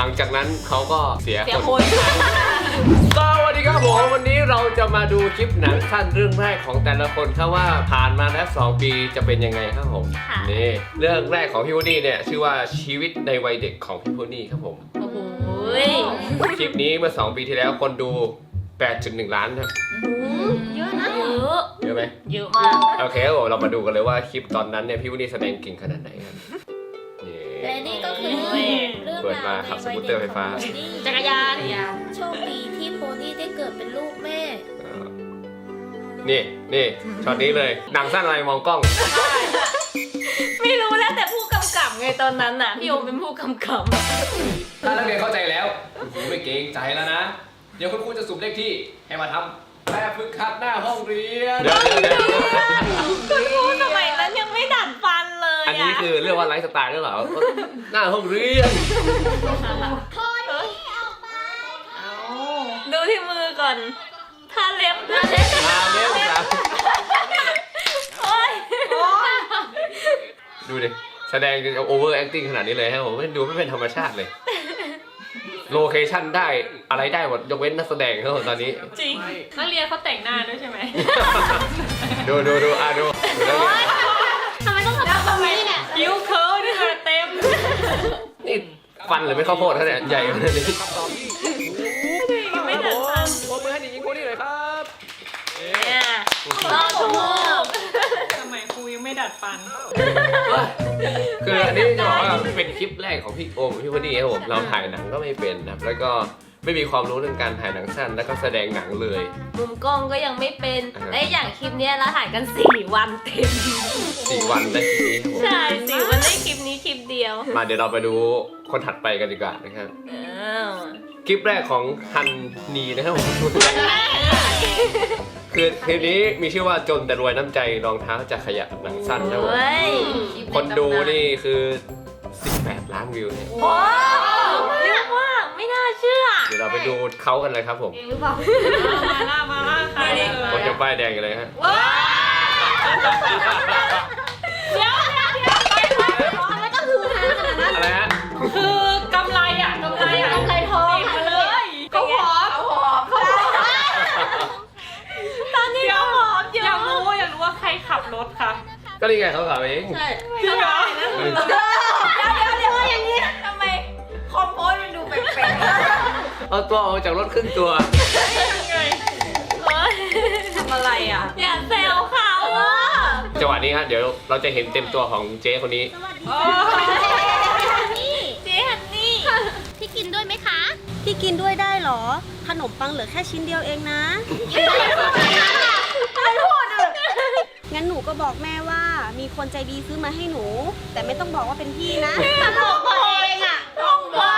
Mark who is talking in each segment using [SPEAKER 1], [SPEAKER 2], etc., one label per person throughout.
[SPEAKER 1] ลังจากนั้นเขาก็เสียคน
[SPEAKER 2] ส
[SPEAKER 1] สวัสดีครับผมวันนี้เราจะมาดูคลิปหนังสั้นเรื่องแรกของแต่ละคนครับว่าผ่านมาแล้ว2 ปีจะเป็นยังไงครับผมนี่เรื่องแรกของพี่วูดดี้เนี่ยชื่อว่าชีวิตในวัยเด็กของพี่วูดดี้ครับผม
[SPEAKER 2] โอ้โห
[SPEAKER 1] คลิปนี้เมื่อ2 ปีที่แล้วคนดู 8.1 ล้านครับ
[SPEAKER 2] เยอะนะ
[SPEAKER 1] เยอะไหม
[SPEAKER 2] เยอะมาก
[SPEAKER 1] โอเคครับผมเรามาดูกันเลยว่าคลิปตอนนั้นเนี่ยพี่วูดดี้แสดงเก่งขนาดไหนครับนี่
[SPEAKER 3] และนี่ก็คือเรื่อง
[SPEAKER 1] เปิด
[SPEAKER 3] ราว
[SPEAKER 1] มาขับสกูตเตอร์ไฟฟ้า
[SPEAKER 2] จักรยาน
[SPEAKER 3] โชคดีที่โพนี่ได้เกิดเป็นลูกแม่
[SPEAKER 1] นี่ช็อตนี้เลยหนังสั้นอะไรมองกล้อง
[SPEAKER 2] ไม่รู้แล้วแต่ผู้กำกับไงตอนนั้นน่ะพี่โอมเป็นผู้กำกับ
[SPEAKER 1] ถ้านักเรียนเข้าใจแล้วคุณครูไม่เกรงใจแล้วนะ เดี๋ยวคุณครูจะสุ่มเลขที่ให้มาทำแบบฝึกหัดหน้าห้องเรียน
[SPEAKER 2] คุณครูสมัยนั้นยังไม่ดัดฟันเลย
[SPEAKER 1] อันนี้คือเรียกว่าไลฟ์สไตล์หรือเปล่าหน้าห้องเรียน
[SPEAKER 2] ดูที่มือก่อนทาเล็บ
[SPEAKER 1] มาเนี้ยครับ
[SPEAKER 2] โอ้ย
[SPEAKER 1] ดูดิแสดงโอเวอร์แอคติ้งขนาดนี้เลยฮะผมดูไม่เป็นธรรมชาติเลยโลเคชั่นได้อะไรได้หมดยกเว้นนักแสดงครับผมตอนนี้
[SPEAKER 2] จริงนักเรียนเขาแต่งหน้าด้วยใช่ไหม
[SPEAKER 1] ดูนักเรียน
[SPEAKER 3] ทำไมต้องทำแบบนี้เนี่ย
[SPEAKER 2] คิ้วเคิร์นี่มาเต็ม
[SPEAKER 1] นี่ฟันหรือไม่ข้าวโพดเขาเนี่ยใหญ่ขนาดนี้
[SPEAKER 2] ไม่ดัดฟัน
[SPEAKER 1] ปรบมือให้เด็กหญิงคนนี้เลยครับ
[SPEAKER 2] เนี่ยรอถูกทำไมครูยังไม่ดัดฟัน
[SPEAKER 1] คืออันนี้จะบอกว่าเป็นคลิปแรกของพี่โอมพี่พอดีครับผมเราถ่ายหนังก็ไม่เป็นนะครับแล้วก็ไม่มีความรู้เรื่องการถ่ายหนังสั้นแล้วก็แสดงหนังเลย
[SPEAKER 2] มุมกล้องก็ยังไม่เป็น และอย่างคลิปเนี้ยเราถ่ายกัน4 วันเต็ม
[SPEAKER 1] 4 วันได้คลิปนี้ครับผม
[SPEAKER 2] ใช่4 วันได้คลิปนี้คลิปเดียว
[SPEAKER 1] มาเดี๋ยวเราไปดูคนถัดไปกันดีกว่านะครับ
[SPEAKER 2] อ้าว
[SPEAKER 1] คลิปแรกของฮันนีนะครับผมคือคลิปนี้มีชื่อว่าจนแต่รวยน้ำใจรองเท้าจะขยับหนังสั้นนะครับผม
[SPEAKER 2] เฮ้ย
[SPEAKER 1] คนดูนี่คือ18 ล้านวิวเนี่ย
[SPEAKER 2] โอ้เยอะมากไม่น่าเชื่อ
[SPEAKER 1] เดี๋ยวเราไปดูเขากันเลยครับผม
[SPEAKER 3] หรือเปล่า
[SPEAKER 2] มาล่าใคร
[SPEAKER 1] คนจะป้ายแดงกันเลยฮะ
[SPEAKER 2] ว้าวเดี๋ยว
[SPEAKER 3] ไม่ต้องฮือฮาขนาดนั้น
[SPEAKER 1] อะไรฮะ
[SPEAKER 2] คือกำไรอ่ะกำไรอ่ะ
[SPEAKER 3] กำไรทอง
[SPEAKER 2] ติดมาเลยเขาหอมตอนนี้เขาหอมเยอะอยากรู้ว่าใครขับรถคะ
[SPEAKER 1] ก็นี่ไงเขาขับเอง
[SPEAKER 3] ใช่
[SPEAKER 2] จริงเหรอ
[SPEAKER 3] เดี๋ยวอย่างนี้ทำไมคอมโพสมันดูแปลก
[SPEAKER 1] เอาตัวออกจากรถครึ่งตัว
[SPEAKER 2] ยังไงทำอะไรอ่ะอย่าแซวเขาอ่ะ
[SPEAKER 1] จังหวะนี้ฮะเดี๋ยวเราจะเห็นเต็มตัวของเจ๊คนนี้
[SPEAKER 3] นี่
[SPEAKER 2] เจ๊ฮันนี่
[SPEAKER 3] พี่กินด้วยไหมคะพี่กินด้วยได้เหรอขนมปังเหลือแค่ชิ้นเดียวเองนะงั้นหนูก็บอกแม่ว่ามีคนใจดีซื้อมาให้หนู แต่ไม่ต้องบอกว่าเป็นพี่นะตลกตัวเองอ่ะต้องบอก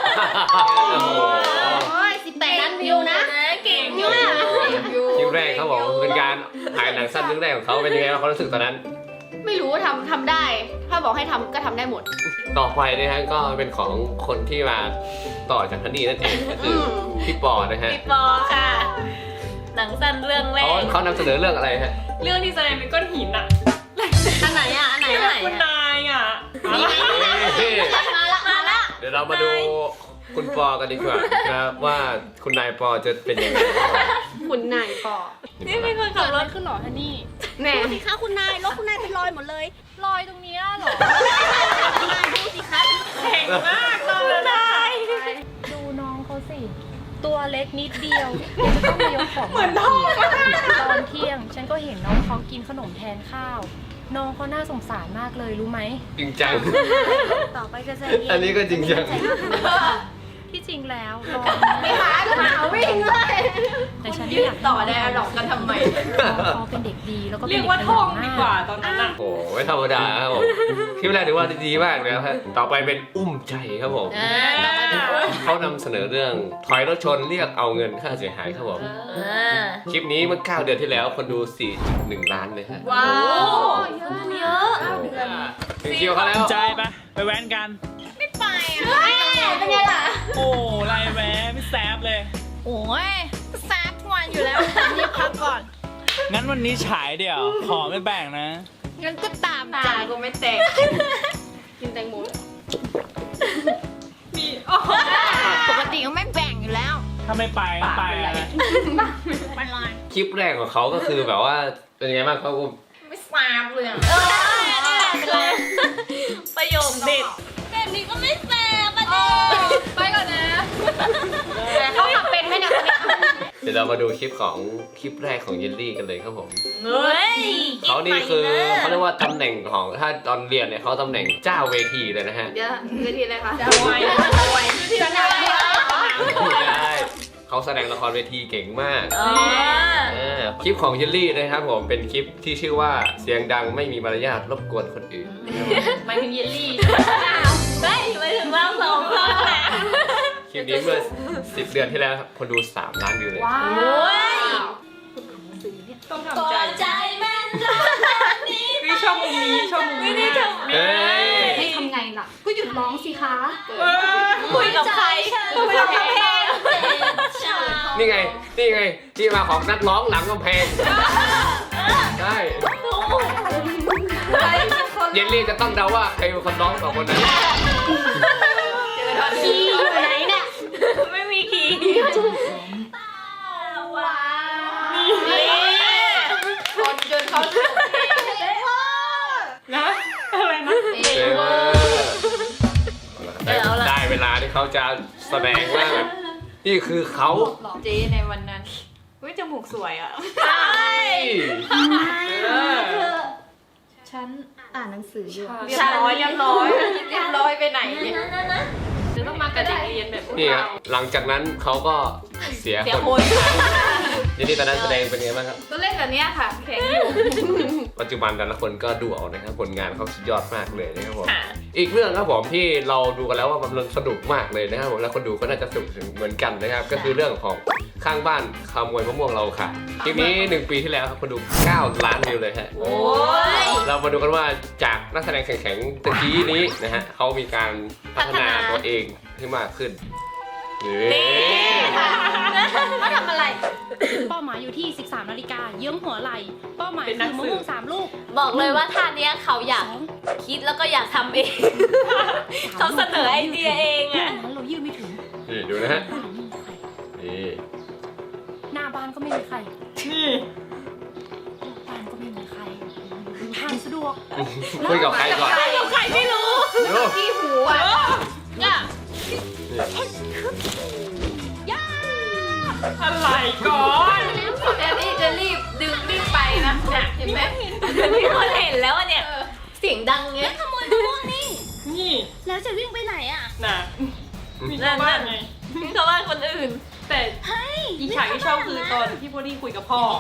[SPEAKER 3] โอ้ย18 ล้านวิวนะ
[SPEAKER 2] เก่งอยู่
[SPEAKER 1] คลิปแรกเขาบอกเป็นการถ่ายหนังสั้นเรื่องแรกของเขาเป็นยังไงบ้างเขารู้สึกตอนนั้น
[SPEAKER 4] ไม่รู้ว่าทำได้ ถ้าบอกให้ทำก็ทำได้หมด
[SPEAKER 1] ต่อไปนะฮะก็เป็นของคนที่มาต่อจากฮันนี่นั่นเองก็คือพี่ปอนะฮะ
[SPEAKER 2] พี่ปอค่ะ หนังสั้นเรื่องแรก
[SPEAKER 1] เขานำเสนอเรื่องอะไรฮะ
[SPEAKER 2] เรื่องที่แสดงเป็นก้อนหินอ่ะ
[SPEAKER 3] อันไหนอ่ะ อันไหน
[SPEAKER 2] ที่
[SPEAKER 3] อัน
[SPEAKER 2] แบ
[SPEAKER 3] ไหน
[SPEAKER 2] บคุณนายอ่ะ
[SPEAKER 3] มาละ
[SPEAKER 1] เดี๋ยวเรามาดูคุณปอกันดีกว่านะครับว่าคุณนายปอจะเป็นยังไง
[SPEAKER 4] คุณนายก่อ
[SPEAKER 2] นี่เป็นคนขับรถ
[SPEAKER 4] ขึ้นหรอท่านี่
[SPEAKER 2] แหน่
[SPEAKER 3] ดูสิคะคุณนายรถคุณนายเป็นรอยหมดเลย
[SPEAKER 4] รอยตรงนี้เหรอ
[SPEAKER 3] คุณนายดูสิคะ
[SPEAKER 2] เก่งมากเลยนาย
[SPEAKER 5] ดูน้องเขาสิ ตัวเล็กนิดเดียวจะต้องมายกของเหมือนท้องตอนเที่ยง ฉันก็เห็นน้องเขากินขนมแทนข้าว น้องเขาน่าสงสารมากเลยรู้ไหม
[SPEAKER 1] จริงจัง
[SPEAKER 3] ต่อไปจะใจเย็น
[SPEAKER 1] อันนี้ก็จริงจัง
[SPEAKER 5] ที่จริงแล้วน้อง
[SPEAKER 4] ไม่หาหาวิ่งเลย
[SPEAKER 5] แต่ฉัน
[SPEAKER 4] ยื
[SPEAKER 5] อ
[SPEAKER 4] ด
[SPEAKER 5] ยาก
[SPEAKER 4] ต่อได้อะดอกกันทำไม
[SPEAKER 5] น้องเขาเป็นเด็กดีแล้วก็เป็น
[SPEAKER 2] เรียก
[SPEAKER 5] เด็ก
[SPEAKER 2] ว่า
[SPEAKER 5] ข
[SPEAKER 2] ท่
[SPEAKER 5] ยั
[SPEAKER 2] อง
[SPEAKER 5] น
[SPEAKER 2] ดี
[SPEAKER 5] มาก
[SPEAKER 2] กว่าตอนนั้นอ่ะ
[SPEAKER 1] โอ้โหไม่ธรรมดาครับผมคลิปแรกถือว่าดีมากเลยครับต่อไปเป็นอุ้มใจครับผมเขานำเสนอเรื่องถอยรถชนเรียกเอาเงินค่าเสียหายครับผมคลิปนี้เมื่อ9 เดือนที่แล้วคนดู 4.1 ล้านเลยฮะ
[SPEAKER 2] ว้าวเยอะ
[SPEAKER 1] ถึงคิวเขาแล้ว
[SPEAKER 6] ใจปะไปแว้นกัน
[SPEAKER 3] เป็นไงล่ะ
[SPEAKER 6] โอ้ไรแหวไม่แซบเลย
[SPEAKER 4] โอ้ยแซบทุกวันอยู่แล้วนี่พักก่อน
[SPEAKER 6] งั้นวันนี้ฉายเดี๋ยว ขอไม่แบ่งนะ
[SPEAKER 4] งั้นก็ตามใจ
[SPEAKER 2] กูไม่แตก
[SPEAKER 4] กินแตงโม
[SPEAKER 2] มี
[SPEAKER 4] ปกติก็ไม่แบ่งอยู่แล้ว
[SPEAKER 6] ถ้าไม่ไปก็ไปอะ
[SPEAKER 4] ไปเลย
[SPEAKER 1] คลิปแรกของเขาก็คือแบบว่าเป็นไงบ้างเขาก็
[SPEAKER 4] ไม่ทราบเลยอะ
[SPEAKER 2] ประโยคเด็ดแบบนี้ก็ไม่แฟร์ประเด็น
[SPEAKER 4] ไปก่อนนะเขาทำเป็นไหมเนี่ย
[SPEAKER 1] เดี๋ยวเรามาดูคลิปของคลิปแรกของเยลลี่กันเลยครับผม
[SPEAKER 2] เฮ้ย
[SPEAKER 1] เขานี่คือเขาเรียกว่าตำแหน่งของถ้าตอนเรียนเนี่ยเขาตำแหน่งเจ้าเวทีเลยนะฮะ
[SPEAKER 3] เดี๋ยวเวทีเลยค่ะ
[SPEAKER 4] จะไวที่ไหน
[SPEAKER 1] ได้เขาแสดงละครเวทีเก่งมาก
[SPEAKER 2] อ๋อ
[SPEAKER 1] คลิปของเยลลี่นะครับผมเป็นคลิปที่ชื่อว่าเสียงดังไม่มีมารยาทรบกวนคนอื่น
[SPEAKER 2] หมายถึงเยลลี่ได้หมายถึงเราสองคนแหละ
[SPEAKER 1] คลิปนี้เมื่อ10 เดือนที่แล้วครับคนดู 3 ล้านวิวเลย
[SPEAKER 2] โอ้ย
[SPEAKER 5] ต้อง
[SPEAKER 2] พอ
[SPEAKER 5] ทำใจ
[SPEAKER 2] ใจแม่นรักนี้
[SPEAKER 5] นี่ชอบมุมนี้ชอบมุมนี้
[SPEAKER 2] นี่ชม
[SPEAKER 1] เอ้ย
[SPEAKER 3] ให้ทำไงล่ะ ก็หยุดร้องสิคะ
[SPEAKER 2] คุยกับใครคุยกับเพลง
[SPEAKER 1] นี่ไงที่มาของนักร้องหลังกำแพงใช่เยลลี่จะต้องเดาว่าใครเป็นคนร้องสองคนนั้น
[SPEAKER 3] คีย์อยู่ไหนเนี่ย
[SPEAKER 2] ไม่มีคีย์ว้าว
[SPEAKER 4] คนจนเขา
[SPEAKER 5] นะอะไรนะ
[SPEAKER 1] ได้เวลาที่เขาจะแสดงว่าแบบนี่คือเขา
[SPEAKER 4] เจ๊ในวันนั้นอุ้ยจมูกสวยอ่ะ
[SPEAKER 3] ฉันอ่านหนังสืออยู่
[SPEAKER 4] เรียบร้อยไปไหนเนี่ย
[SPEAKER 5] จะต้องมากับเด็กเรียนแบบพวก
[SPEAKER 1] นี่ค
[SPEAKER 5] เรา
[SPEAKER 1] รับหลังจากนั้นเขาก็เสีย
[SPEAKER 2] เสีย
[SPEAKER 1] ค
[SPEAKER 2] คน น
[SPEAKER 1] เยลลี่ตอนนั้นแสดงเป็นไงบ้างครับ
[SPEAKER 4] ก็เล่นแบบเนี้ยค่ะแข็งอยู่
[SPEAKER 1] ปัจจุบันแต่ละคนก็ดูเอานะครับผลงานเขาสุดยอดมากเลยนะครับผมอีกเรื่องครับผมที่เราดูกันแล้วว่ามันสนุกมากเลยนะครับผมแล้วคนดูก็น่าจะสนุกเหมือนกันนะครับก็คือเรื่องของข้างบ้านขโมยมะม่วงเราค่ะคลิปนี้1 ปีที่แล้วครับคนดู 9 ล้านวิวเลยฮะ
[SPEAKER 2] โอ้ย
[SPEAKER 1] เรามาดูกันว่าจากนักแสดงแข็งๆตะกี้นี้นะฮะเขามีการพัฒนาตัวเองให้มากขึ้นนี่
[SPEAKER 4] เขาทำอะไร
[SPEAKER 5] เป้าหมายอยู่ที่ 13 นาฬิกาเยื้องหัวไหล่เป้าหมายคือมะม่วง3 ลูก
[SPEAKER 2] บอกเลยว่าท่าเนี้ยเขาอยากคิดแล้วก็อยากทำเอง เขาเสนอไอเดียเอง
[SPEAKER 5] อย่าง
[SPEAKER 2] อะ
[SPEAKER 5] นั้นเรายืดไม่ถึง
[SPEAKER 1] นี่ดูนะฮะ
[SPEAKER 5] บ้านไม่มีใคร
[SPEAKER 1] นี่
[SPEAKER 5] หน้าบ้านก็ไม่มีใคร
[SPEAKER 6] นี่
[SPEAKER 5] ลูกบ้านก็ไม่มีใครทางสะดวก
[SPEAKER 1] คุยกับใครก่อน
[SPEAKER 2] ใครไม่รู้
[SPEAKER 1] ดู
[SPEAKER 4] ที่หูอ่ะเนี่ย
[SPEAKER 5] อะไรก่อน
[SPEAKER 4] แต่นี่จะรีบไปนะน่ะเห็นไหม
[SPEAKER 2] มีคนเห็นแล้วอะเนี่ย เสียงดังเงี้ยขโมยมะม่วงนี่
[SPEAKER 5] นี่
[SPEAKER 3] แล้วจะวิ่งไปไหนอ่ะ
[SPEAKER 5] น่ะมี
[SPEAKER 2] นั่
[SPEAKER 5] ชาวน บ้านไง
[SPEAKER 2] นี่เขาว่าคนอื่น
[SPEAKER 5] แต่อีกฉากที่ชอบคือตอนที่โพนี่คุยกับพ่อ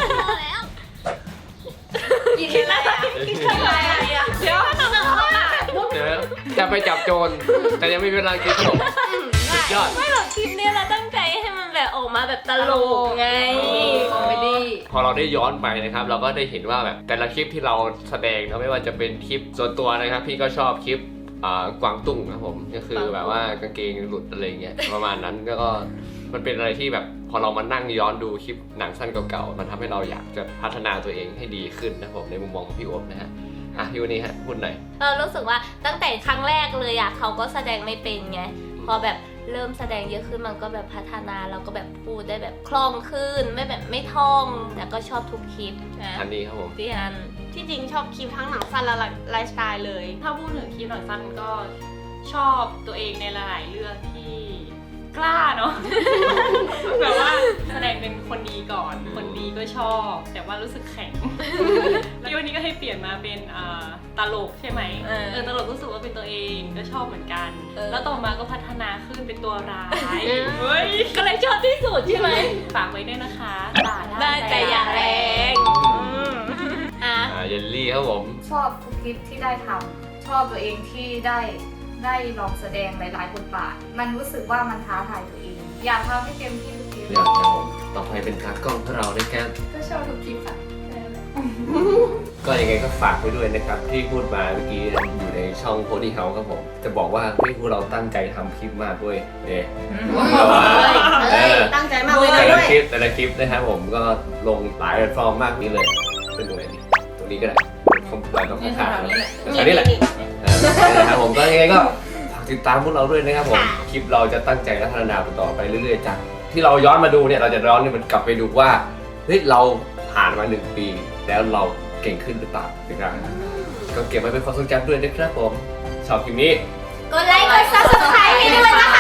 [SPEAKER 4] กินอะไรอ่ะกินอะไรอ่ะ
[SPEAKER 2] เดี๋ยวทำอะไรอะ
[SPEAKER 1] เดี๋ยวจะไปจับโจรแต่ยังไม่มีเวลากินขนมสุดยอด
[SPEAKER 2] ไม่หรอกคลิปนี้เราตั้งใจให้มันแบบออกมาแบบตลกไง
[SPEAKER 4] คอมเมดี้
[SPEAKER 1] พอเราได้ย้อนไปนะครับ เราก็ได้เห็นว่าแบบแต่ละคลิปที่เราแสดงนะไม่ว่าจะเป็นคลิปส่วนตัวนะครับ พี่ก็ชอบคลิปกวางตุ้งนะครับผมก็คือแบบว่ากางเกงหลุดอะไรเงี้ยประมาณนั้นก็มันเป็นอะไรที่แบบพอเรามานั่งย้อนดูคลิปหนังสั้นเก่าๆมันทำให้เราอยากจะพัฒนาตัวเองให้ดีขึ้นนะครับผมในมุมมองของพี่โอ๊บนะฮะพี่วันนี้ฮะพูดหน่อย
[SPEAKER 2] เรารู้สึกว่าตั้งแต่ครั้งแรกเลยอะเขาก็แสดงไม่เป็นไงพอแบบเริ่มแสดงเยอะขึ้นมันก็แบบพัฒนาเราก็แบบพูดได้แบบคล่องขึ้นไม่แบบไม่ท่องแต่ก็ชอบทุกคลิปนะ
[SPEAKER 1] อันนี้ครับผม
[SPEAKER 2] พี่อัน
[SPEAKER 3] ที่จริงชอบคลิปทั้งหนังสั้นและไลฟ์สไตล์เลย
[SPEAKER 5] ถ้าพูดถึงคลิปหนังสั้นก็ชอบตัวเองในหลายๆเรื่องที่กล้าเนาะ แบบว่าแสดงเป็นคนดีก่อน คนดีก็ชอบ แต่ว่ารู้สึกแข็ง แล้ววันนี้ก็ให้เปลี่ยนมาเป็นตลกใช่ไหมตลกรู้สึกว่าเป็นตัวเองก็ชอบเหมือนกัน แล้วต่อมาก็พัฒนาขึ้นเป็นตัวร้ายเฮ้ย
[SPEAKER 2] ก็เลยชอบที่สุดใช่ไหม
[SPEAKER 5] ฝากไว้ด้วยนะคะด่า
[SPEAKER 2] ได้แต่อย่าแรงอ่ะ
[SPEAKER 1] เยลลี่ครับผม
[SPEAKER 7] ชอบทุกคลิปที่ได้ทำชอบตัวเองที่ได้ลองแสดงหลายๆบทบาทมันรู้สึกว่ามันท้าทายตัวเอง อยากทำให้เต็มที่ทุกคลิป
[SPEAKER 1] เดี๋ยวครับผมต่อไปเป็นตากล้องของเราด้วยกัน
[SPEAKER 7] ก็ชอบทุกคลิปค่ะแค่นั้นแหละ
[SPEAKER 1] ก็ยังไงก็ฝากไว้ด้วยนะครับที่พูดมาเมื่อกี้อยู่ในช่องโพดีเฮาส์ครับผมจะบอกว่าพวกเราตั้งใจทำคลิปมากด้วยเนี่ย
[SPEAKER 3] ตั้งใจมากเลย
[SPEAKER 1] แต่ละ
[SPEAKER 3] ด้วย
[SPEAKER 1] คลิปนะครับผมก็ลงหลายแพลตฟอร์มมากนี้เลยเป็นตรงไหนดีตรงนี้ก็ได้คอมพิวเตอร์ต้องข้างๆอันนี้แหละนะครับผมก็ยังไงก็ฝากติดตามพวกเราด้วยนะครับผม
[SPEAKER 2] ค่ะ
[SPEAKER 1] คลิปเราจะตั้งใจและพัฒนาต่อไปเรื่อยๆจากที่เราย้อนมาดูเนี่ยเราจะย้อนมันกลับไปดูว่าเฮ้ยเราผ่านมา1 ปีแล้วเราเก่งขึ้นหรือเปล่านะครับก็เก็บไว้เป็นความทรงจำด้วยนะครับผมชอบคลิปนี้
[SPEAKER 2] กดไลค์กด subscribe ให้ด้วยนะคะ